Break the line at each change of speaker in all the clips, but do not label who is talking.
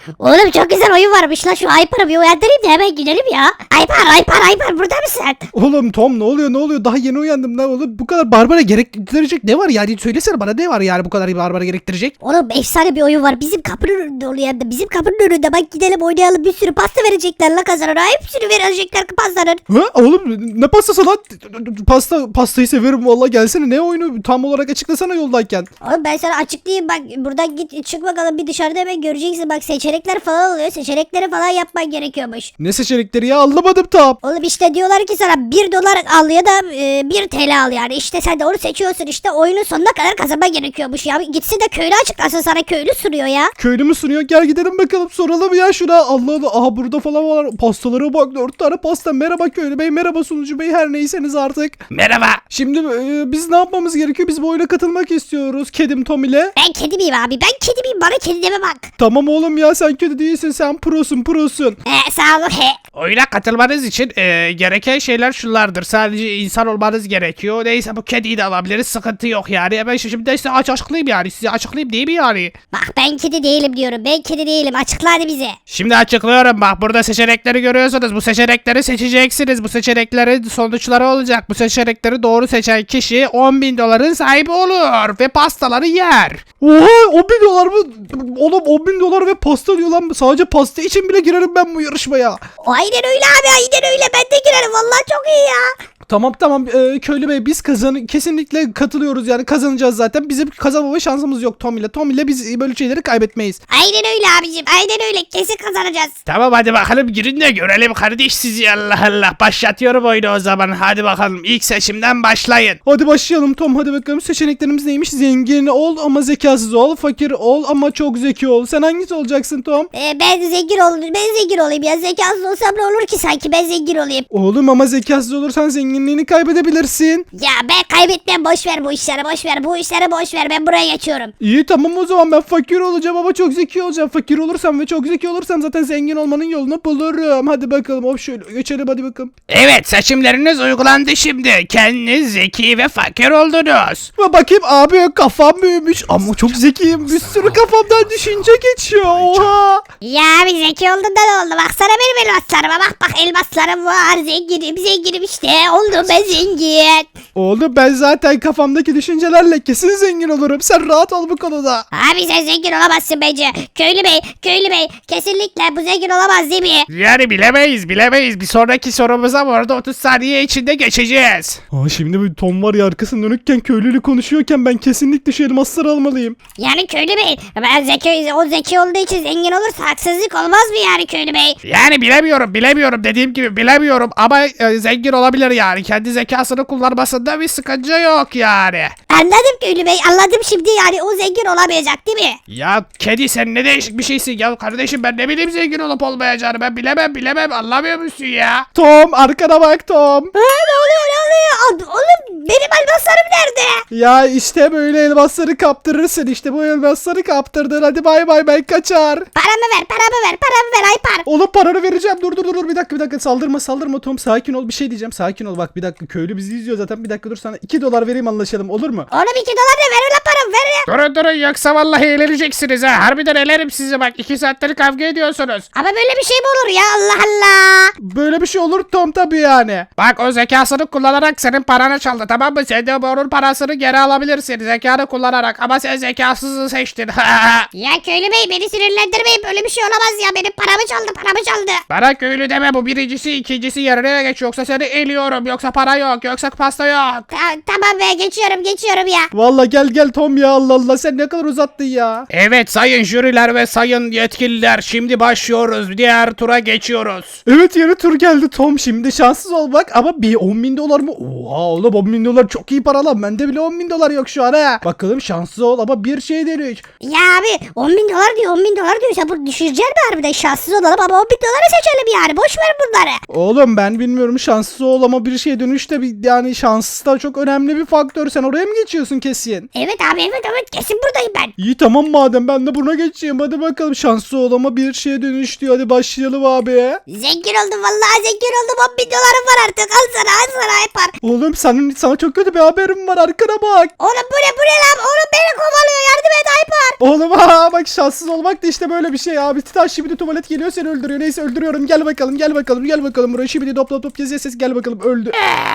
Oğlum çok güzel oyun varmış lan, şu Aypar'ı bir uyandırayım da hemen gidelim ya. Aypar burada mısın?
Oğlum Tom ne oluyor? Daha yeni uyandım lan oğlum. Bu kadar Barbara gerektirecek ne var yani? Söylesene bana, ne var yani bu kadar Barbara gerektirecek?
Oğlum efsane bir oyun var, bizim kapının önünde oluyor hem de. Bizim kapının önünde, bak gidelim oynayalım, bir sürü pasta verecekler la kazanana. Hepsini verecekler pastanın.
Ha oğlum ne pastası lan? Pastayı severim vallahi, gelsene, ne oyunu tam olarak açıklasana yoldayken.
Oğlum ben sana açıklayayım, bak buradan git çık bakalım, bir dışarıda hemen göreceksin, bak seçenekler falan oluyor, seçenekleri falan yapman gerekiyormuş.
Ne seçenekleri ya, anlamadım tam.
Oğlum işte diyorlar ki sana 1 dolar al ya da 1 TL al yani, işte sen de onu seçiyorsun, işte oyunun sonuna kadar kazanman gerekiyormuş ya. Gitsin de köylü açıklasın sana, köylü sunuyor ya.
Köylü mü sunuyor? Gel gidelim bakalım, soralım ya şuna. Allah Allah, aha burada falan var. Pastalara bak, 4 tane pasta. Merhaba köylü bey, merhaba sunucu bey, her neyseniz artık.
Merhaba.
Şimdi biz ne yapmamız gerekiyor? Biz bu oyuna katılmak istiyoruz. Kedim Tom ile.
Ben kedi miyim abi, ben kedi miyim, bana kedi deme bak.
Tamam oğlum ya, sen kötü değilsin, sen prosun.
Sağ olun.
Oyuna katılmanız için gereken şeyler şunlardır. Sadece insan olmanız gerekiyor. Neyse bu kediyi de alabiliriz. Sıkıntı yok yani. Ben şimdi de size açıklayayım yani. Size açıklayayım değil mi yani?
Bak ben kedi değilim diyorum, ben kedi değilim, açıkla hadi bize.
Şimdi açıklıyorum bak. Burada seçenekleri görüyorsunuz. Bu seçenekleri seçeceksiniz. Bu seçeneklerin sonuçları olacak. Bu seçenekleri doğru seçen kişi 10.000 doların sahibi olur. Ve pastaları yer.
Oha, 10.000 dolar mı? Oğlum 10.000 dolar ve pasta diyor lan. Sadece pasta için bile girerim ben bu yarışmaya.
Aynen öyle abi, aynen öyle, ben de girerim vallahi, çok iyi ya.
Tamam köylü bey, biz kesinlikle katılıyoruz yani, kazanacağız zaten. Bizim kazanmama şansımız yok Tom ile. Tom ile biz böyle şeyleri kaybetmeyiz.
Aynen öyle abicim, aynen öyle, kesin kazanacağız.
Tamam hadi bakalım girin de görelim kardeş sizi, Allah Allah. Başlatıyorum oyunu o zaman. Hadi bakalım ilk seçimden başlayın.
Hadi başlayalım Tom, hadi bakalım seçeneklerimiz neymiş? Zengin ol ama zekasız ol, fakir ol ama çok zeki ol. Sen hangisi olacaksın Tom?
Ben zengin olayım ya, zekasız olsam ne olur ki sanki, ben zengin olayım.
Oğlum ama zekasız olursan zenginliğini kaybedebilirsin.
Ya ben kaybetmem, boş ver bu işleri, boş ver, ben buraya geçiyorum.
İyi tamam, o zaman ben fakir olacağım ama çok zeki olacağım. Fakir olursam ve çok zeki olursam zaten zengin olmanın yolunu bulurum. Hadi bakalım, hop şöyle geçelim, hadi bakalım.
Evet seçimleriniz uygulandı şimdi. Kendiniz zeki ve fakir oldunuz.
Ve bakayım abi, kafam büyümüş ama çok zekiyim. Bir sürü kafamdan düşünce geçiyor. Oha.
Ya bir zeki olduğunda ne oldu, baksana benim elmaslarıma, bak elmaslarım var, zenginim işte, oldum ben zengin.
Oğlum ben zaten kafamdaki düşüncelerle kesin zengin olurum. Sen rahat ol bu konuda.
Abi sen zengin olamazsın bence. Köylü bey kesinlikle bu zengin olamaz değil mi?
Yani bilemeyiz. Bir sonraki sorumuza bu arada 30 saniye içinde geçeceğiz.
Şimdi bir Tom var ya, arkasını dönükken köylüyle konuşuyorken ben kesinlikle şu elmasları almalıyım.
Yani köylü bey, o zeki olduğu için zengin olursa haksızlık olmaz mı yani köylü bey?
Yani bilemiyorum dediğim gibi bilemiyorum ama zengin olabilir yani. Kendi zekasını kullanmasında bir sıkıntı yok yani.
Anladım köylü bey, anladım şimdi, yani o zengin olamayacak değil mi?
Ya kedi sen ne değişik bir şeysin ya kardeşim, ben ne bileyim zengin olup olmayacağını, ben bilemem anlamıyor musun ya?
Tom, arkana bak Tom.
Ne oluyor? Oğlum benim elmaslarım nerede?
Ya işte böyle elmasları kaptırırsın, işte bu elmasları kaptırdın. Hadi bay bay, ben kaçar.
Paramı ver Aypar.
Oğlum paranı vereceğim. Dur bir dakika saldırma Tom, sakin ol, bir şey diyeceğim, sakin ol. Bak bir dakika, köylü bizi izliyor zaten, bir dakika dur, sana 2 dolar vereyim, anlaşalım, olur mu?
Oğlum 2 dolar da ver ulan, paramı ver ya.
Durun yoksa vallahi eğleneceksiniz ha, harbiden elerim sizi bak, 2 saattir kavga ediyorsunuz.
Ama böyle bir şey mi olur ya, Allah Allah.
Böyle bir şey olur Tom tabii yani.
Bak o zekasını kullanarak senin paranı çaldı, tamam mı? Sen de onun parasını geri alabilirsin zekanı kullanarak, ama sen zekasızı seçtin.
Ya köylü bey beni sinirlendirmeyin, böyle bir şey olamaz ya, benim paramı çaldı.
Bana köylü deme, bu birincisi, ikincisi yerine geç, yoksa seni eliyorum, yoksa para yok, yoksa pasta yok.
Tamam be, geçiyorum ya.
Vallahi gel Tom ya, Allah Allah, sen ne kadar uzattın ya.
Evet sayın jüriler ve sayın yetkililer, şimdi başlıyoruz, diğer tura geçiyoruz.
Evet, yeni tur geldi Tom, şimdi şanssız ol bak, ama bir 10.000 dolar mı? Oha oğlum, 10.000 dolar çok iyi para lan, bende bile 10.000 dolar yok şu an ha. Bakalım şanssız ol ama bir şey deniyor.
Ya abi 10 bin dolar diyor, sen bunu düşüreceksin mi harbiden, şanssız olalım ama 10 bin doları seçelim yani, boş ver bunları.
Oğlum ben bilmiyorum, şanssız ol ama bir şeye dönüş de yani şans da çok önemli bir faktör, sen oraya mı geçiyorsun kesin?
Evet abi, Evet kesin buradayım ben.
İyi tamam madem ben de buna geçeyim. Hadi bakalım şanslı ol ama bir şeye dönüştü. Hadi başlayalım abi.
Zengin oldum vallahi zengin oldum. 10 bin dolarım var artık. Al sana yapar.
Oğlum sana çok kötü bir haberim var, arkana bak.
Oğlum bu ne lan? Oğlum beni kovalıyor. Yardım et Aypar.
Oğlum bak şanssız olmak da işte böyle bir şey abi. Titan şimdi tuvalet geliyor seni öldürüyor. Neyse öldürüyorum. Gel bakalım buraya şimdi top geziyor ses gel bakalım öldü.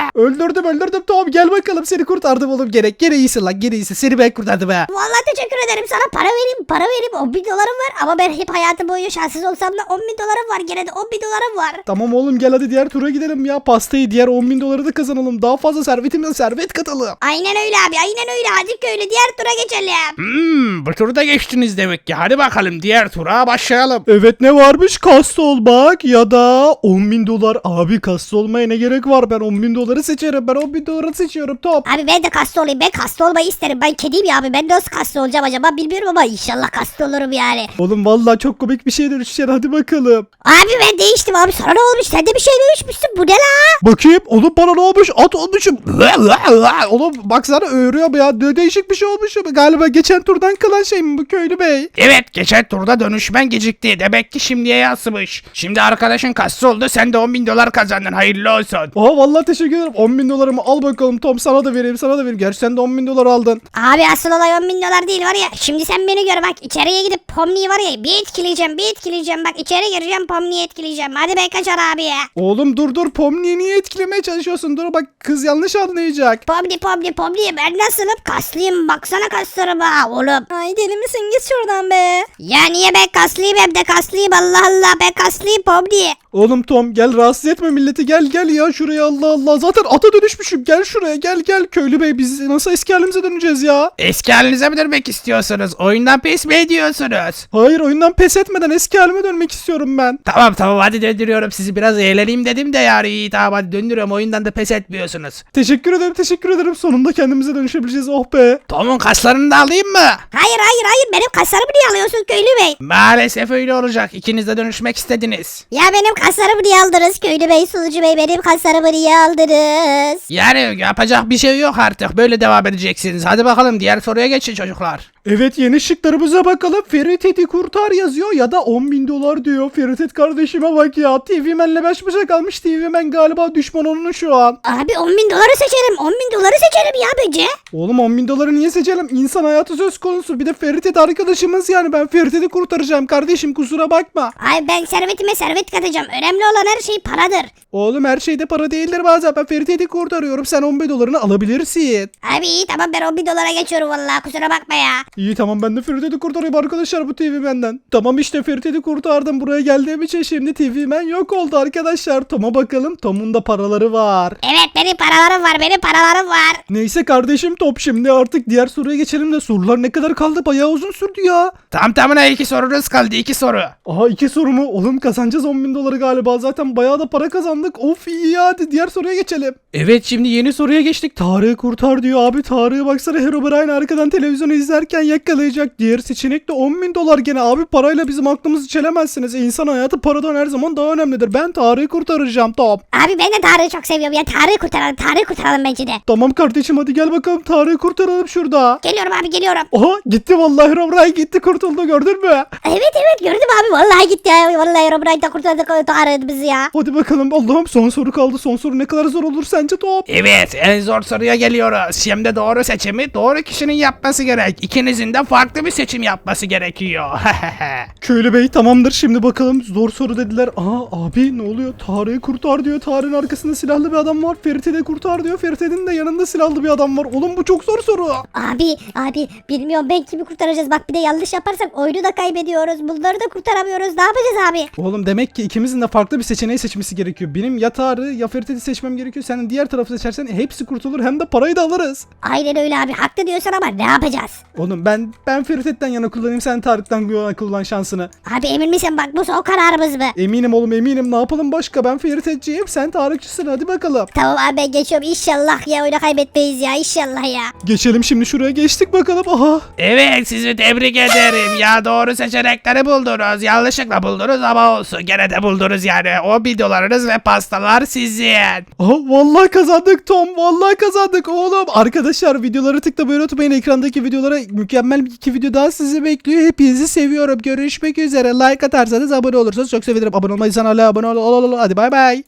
Öldürdüm tamam gel bakalım seni kurtardım oğlum gene iyisin lan gene iyisin seni ben kurtardım ha.
Vallahi teşekkür ederim sana para vereyim 10 bin dolarım var ama ben hep hayatım boyunca şanssız olsam da 10 bin dolarım var gene de 10 bin dolarım var.
Tamam oğlum gel hadi diğer tura gidelim ya pastayı diğer 10 bin doları da kazanalım daha fazla servetimize servet katalım.
Aynen öyle abi aynen öyle hadi köylü diğer tura geçelim.
Bu turu da geçtiniz demek ki. Hadi bakalım diğer tura başlayalım.
Evet ne varmış kaslı olmak ya da 10 bin dolar abi kaslı olmaya ne gerek var ben 10 bin doları seçerim ben 10 bin doları seçiyorum top.
Abi ben de kaslı olayım ben kaslı olmayı isterim ben kediyim ya abi ben nasıl kaslı olacağım acaba bilmiyorum ama inşallah kaslı olurum yani.
Oğlum vallahi çok komik bir şey dönüşeceksin hadi bakalım.
Abi ben değiştim abi sana ne olmuş sen de bir şey dönüşmüşsün bu ne la?
Bakayım oğlum bana ne olmuş at olmuşum. Oğlum baksana öğürüyor ya değişik bir şey olmuşum. Galiba geçen turdan kalan şey mi bu köylü bey?
Evet geçen turda dönüşmen gecikti. Demek ki şimdiye yansımış. Şimdi arkadaşın kassı oldu. Sen de 10 bin dolar kazandın. Hayırlı olsun.
Aa vallahi teşekkür ederim 10 bin dolarımı al bakalım Tom sana da vereyim. Gerçi sen de 10 bin dolar aldın.
Abi asıl olay 10 bin dolar değil var ya şimdi sen beni gör bak içeriye gidip Pomni'yi var ya bir etkileyeceğim bak içeri gireceğim Pomni'yi etkileyeceğim hadi ben kaçar abi ya.
Oğlum dur Pomni'yi niye etkilemeye çalışıyorsun dur bak kız yanlış anlayacak.
Pomni ben nasılım kaslıyım baksana kaslarıma oğlum. Ay deli misin git şuradan be. Ya niye ben kaslıyım hem de kaslıyım Allah ben kaslıyım Pomni.
Oğlum Tom gel rahatsız etme milleti gel ya şuraya Allah zaten ata dönüşmüşüm gel şuraya gel köylü bey biz nasıl eski halimize döneceğiz ya.
Eski halinize mi dönmek istiyorsunuz? Oyundan pes mi ediyorsunuz?
Hayır oyundan pes etmeden eski halime dönmek istiyorum ben.
Tamam hadi döndürüyorum sizi biraz eğleneyim dedim de yani iyi tamam hadi döndürüyorum oyundan da pes etmiyorsunuz.
Teşekkür ederim sonunda kendimize dönüşebileceğiz oh be.
Tom'un kaslarını da alayım mı?
Hayır benim kaslarımı niye alıyorsun köylü bey?
Maalesef öyle olacak ikiniz de dönüşmek istediniz.
Ya benim kaslarımı niye aldınız köylü bey sunucu bey benim kaslarımı niye aldınız?
Yani yapacak bir şey yok artık böyle devam edeceksiniz. Hadi bakalım diğer soruya geçin çocuklar.
Evet yeni şıklarımıza bakalım. Ferit'i kurtar yazıyor ya da 10 bin dolar diyor. Ferit kardeşime bak ya. TV Man'le baş başa kalmış. TV Man galiba düşman onun şu an.
Abi 10 bin doları seçerim 10 bin doları seçerim ya bence.
Oğlum 10 bin doları niye seçelim? İnsan hayatı söz konusu. Bir de Ferit arkadaşımız yani. Ben Ferit'i kurtaracağım kardeşim kusura bakma.
Ay ben servetime servet katacağım önemli olan her şey paradır.
Oğlum her şeyde para değildir bazen. Ben Ferit'i kurtarıyorum. Sen 10 bin dolarını alabilirsin.
Abi iyi tamam ben 10 bin dolara geçiyorum vallahi kusura bakma ya.
İyi tamam ben de Ferit'i kurtarayım arkadaşlar bu TV Man'den. Tamam işte Ferit'i kurtardım. Buraya geldiğim için şimdi TV Man yok oldu arkadaşlar. Tom'a bakalım. Tom'un da paraları var.
Evet benim paralarım var.
Neyse kardeşim Top şimdi artık diğer soruya geçelim de sorular ne kadar kaldı bayağı uzun sürdü ya.
Tam tamına 2 sorunuz kaldı 2 soru.
Aha 2 soru mu? Oğlum kazanacağız 10 bin doları galiba zaten bayağı da para kazandık. Of iyi ya hadi diğer soruya geçelim. Evet şimdi yeni soruya geçtik. Tarık'ı kurtar diyor abi. Tarık'ı baksana Herobrine arkadan televizyonu izlerken yakalayacak. Diğer seçenek de 10 bin dolar gene abi parayla bizim aklımızı çelemezsiniz. İnsan hayatı paradan her zaman daha önemlidir. Ben Tarık'ı kurtaracağım Top.
Abi ben de Tarık'ı çok seviyorum ya Tarık'ı kurtaralım bence de.
Tamam kardeşim hadi gel bakalım Tarık'ı kurtaralım şurada.
Geliyorum abi geliyorum.
Aha gitti vallahi Herobrine gitti kurtuldu gördün mü?
Evet gördüm abi vallahi gitti ya vallahi Robray'da kurtardık Tarık'ı bizi ya.
Hadi bakalım Allah'ım son soru kaldı. Son soru ne kadar zor olur sence Top?
Evet en zor soruya geliyoruz. Şimdi doğru seçimi doğru kişinin yapması gerek. İkinizin de farklı bir seçim yapması gerekiyor.
Köylü bey tamamdır şimdi bakalım zor soru dediler. Aa abi ne oluyor? Tarık'ı kurtar diyor. Tarık'ın arkasında silahlı bir adam var. Ferit'i de kurtar diyor. Ferit'in de yanında silahlı bir adam var. Oğlum bu çok zor soru.
Abi bilmiyorum ben kimi kurtaracağız bak bir de yanlış yaparsak oyunu da kaybediyoruz bunları da kurtaramıyoruz ne yapacağız abi?
Oğlum demek ki ikimizin de farklı bir seçeneği seçmesi gerekiyor. Benim ya Tarık'ı ya Ferit'i seçmem gerekiyor. Sen diğer tarafı seçersen hepsi kurtulur hem de parayı da alırız.
Aynen öyle abi haklı diyorsun ama ne yapacağız?
Oğlum ben Ferit'ten yana kullanayım sen Tarık'tan yana kullan şansını.
Abi emin misin bak bu son kararımız mı?
Eminim oğlum eminim ne yapalım başka ben Ferit'ciyim sen Tarıkçısın hadi bakalım.
Tamam abi ben geçiyorum inşallah ya oyunu kaybetmeyiz ya inşallah ya.
Geçelim şimdi şuraya geçtik bakalım aha.
Evet sizi tebrik ederim. Ya doğru seçenekleri buldunuz. Yanlışlıkla buldunuz ama olsun. Gene de buldunuz yani. O 1 dolarınız ve pastalar sizin.
Aha vallahi kazandık Tom vallahi kazandık oğlum. Arkadaşlar videoları tıklamayı unutmayın. unutmayın, ekrandaki videolara mükemmel 2 video daha sizi bekliyor. Hepinizi seviyorum. Görüşmek üzere. Like atarsanız, abone olursanız çok sevinirim. Abone olmayı hala abone ol. Hadi bay bay.